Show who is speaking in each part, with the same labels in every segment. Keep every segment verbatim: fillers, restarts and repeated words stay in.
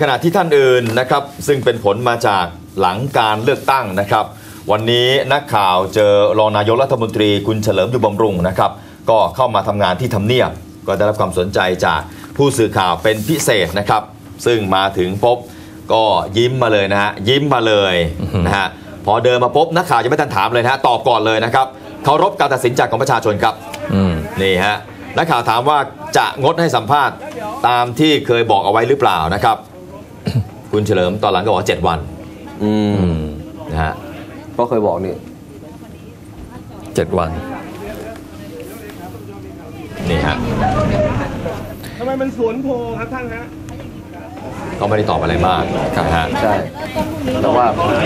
Speaker 1: ขณะที่ท่านอื่นนะครับซึ่งเป็นผลมาจากหลังการเลือกตั้งนะครับวันนี้นักข่าวเจอรองนายกรัฐมนตรีคุณเฉลิมอยู่บำรุงนะครับก็เข้ามาทำงานที่ทำเนียบก็ได้รับความสนใจจากผู้สื่อข่าวเป็นพิเศษนะครับซึ่งมาถึงพบก็ยิ้มมาเลยนะฮะยิ้มมาเลยนะฮะพอเดินมาพบนักข่าวจะไม่ทันถามเลยนะฮะตอบก่อนเลยนะครับเคารพการตัดสินใจของประชาชนครับนี่ฮะนักข่าวถามว่าจะงดให้สัมภาษณ์ตามที่เคยบอกเอาไว้หรือเปล่านะครับ คุณเฉลิมตอนหลังก็บอกเจ็ดวันอืมนะฮะ
Speaker 2: เพราะเคยบอกนี่
Speaker 3: เจ็ดวัน
Speaker 1: นี่ฮะ
Speaker 4: ทำไมมันสวนโพครับท่านฮะ
Speaker 1: ก็ไม่ได้ตอบอะไรมากนะฮะ
Speaker 2: ใช่แต่ว่า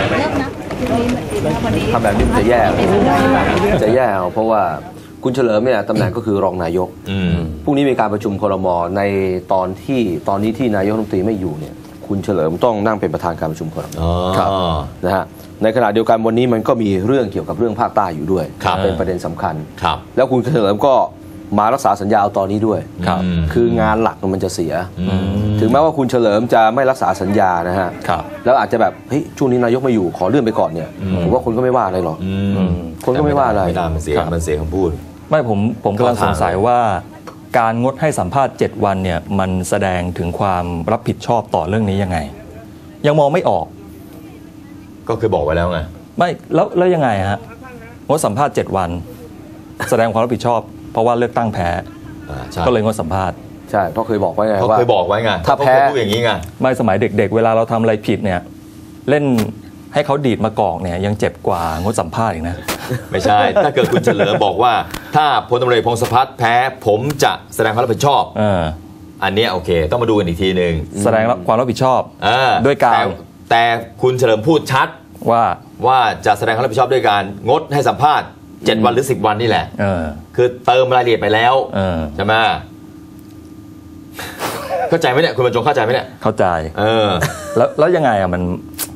Speaker 2: ทำแบบนี้จะแย่จะแย่เพราะว่าคุณเฉลิมเนี่ยตำแหน่งก็คือรองนายกพรุ่งนี้มีการประชุมครม.ในตอนที่ตอนนี้ที่นายกรัฐมนตรีไม่อยู่เนี่ยคุณเฉลิมต้องนั่งเป็นประธานการประชุมครม.นะฮะในขณะเดียวกันวันนี้มันก็มีเรื่องเกี่ยวกับเรื่องภาคใต้อยู่ด้วยเป็นประเด็นสำคัญแล้วคุณเฉลิมก็มารักษาสัญญาตอนนี้ด้วยคืองานหลักมันจะเสียถึงแม้ว่าคุณเฉลิมจะไม่รักษาสัญญานะฮะแล้วอาจจะแบบเฮ้ยช่วงนี้นายกไม่อยู่ขอเลื่อนไปก่อนเนี่ยผมว่าคนก็ไม่ว่าอะไรหรอกคนก็ไม่ว่าอะไร
Speaker 1: ไม่ได้มันเสียมันเสียคำพูด
Speaker 3: ไม่ผมผมกำลังสงสัยว่าการงดให้สัมภาษณ์เจ็ดวันเนี่ยมันแสดงถึงความรับผิดชอบต่อเรื่องนี้ยังไงยังมองไม่ออก
Speaker 1: ก็คือบอกไว้แล้วไง
Speaker 3: ไม่แล้วแล้วยังไงฮะงดสัมภาษณ์เจ็ดวันแสดงความรับผิดชอบเพราะว่าเลือกตั้งแพ้ก็เลยงดสัมภาษณ์
Speaker 2: ใช่เพราะเคยบอกไว้ไง
Speaker 1: ว่าเคยบอกไว้ไง
Speaker 2: ถ้าแพ้
Speaker 1: พูดอย่างนี้ไง
Speaker 3: ไม่สมัยเด็กๆเวลาเราทำอะไรผิดเนี่ยเล่นให้เขาดีดมากอกเนี่ยยังเจ็บกว่างดสัมภาษณ์อีกนะ
Speaker 1: ไม่ใช่ถ้าเกิดคุณเฉลิมบอกว่าถ้าพลตำรวจเอกพงศพัฒน์แพ้ผมจะแสดงความรับผิดชอบอันนี้โอเคต้องมาดูกันอีกทีหนึ่ง
Speaker 3: แสดงความรับผิดชอบด้วยการ
Speaker 1: แต่คุณเฉลิมพูดชัด
Speaker 3: ว่า
Speaker 1: ว่าจะแสดงความรับผิดชอบด้วยการงดให้สัมภาษณ์เจ็ดวันหรือสิบวันนี่แหละคือเติมรายละเอียดไปแล้วใช่ไหมเข้าใจไหมเนี่ยคุณบรรจงเข้าใจไหมเนี่ย
Speaker 3: เข้าใจเออแล้วแล้วยังไงอ่ะมัน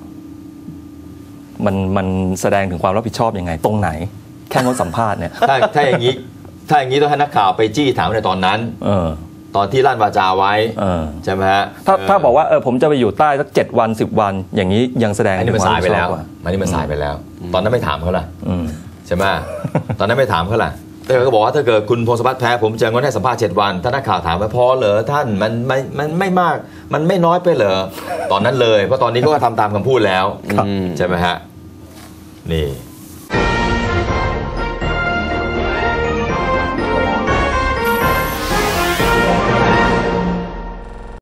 Speaker 3: มันมันแสดงถึงความรับผิดชอบยังไงตรงไหนแค่งดสัมภาษณ์เนี่ย
Speaker 1: ถ้าถ้าอย่างนี้ถ้าอย่างนี้ต้องให้นักข่าวไปจี้ถามในตอนนั้นเออตอนที่ลั่นวาจาไว้ใช่ไหมฮะ
Speaker 3: ถ้าถ้าบอกว่าเออผมจะไปอยู่ใต้สักเจ็ดวันสิบวันอย่างนี้ยังแสดง
Speaker 1: อันนี้มันสายไปแล้วอันนี้มันสายไปแล้วตอนนั้นไม่ถามเขาล่ะใช่ไหมตอนนั้นไม่ถามเขาล่ะแต่เขาก็บอกว่าถ้าเกิดคุณพงศพัฒน์แพ้ผมจะงดให้สัมภาษณ์เจ็ดวันถ้านักข่าวถามว่าพอเหรอท่านมันไม่มันไม่มากมันไม่น้อยไปเหรอตอนนั้นเลยเพราะตอนนี้ก็ทำตามคำพูดแล้วใช่ไหมฮะนี่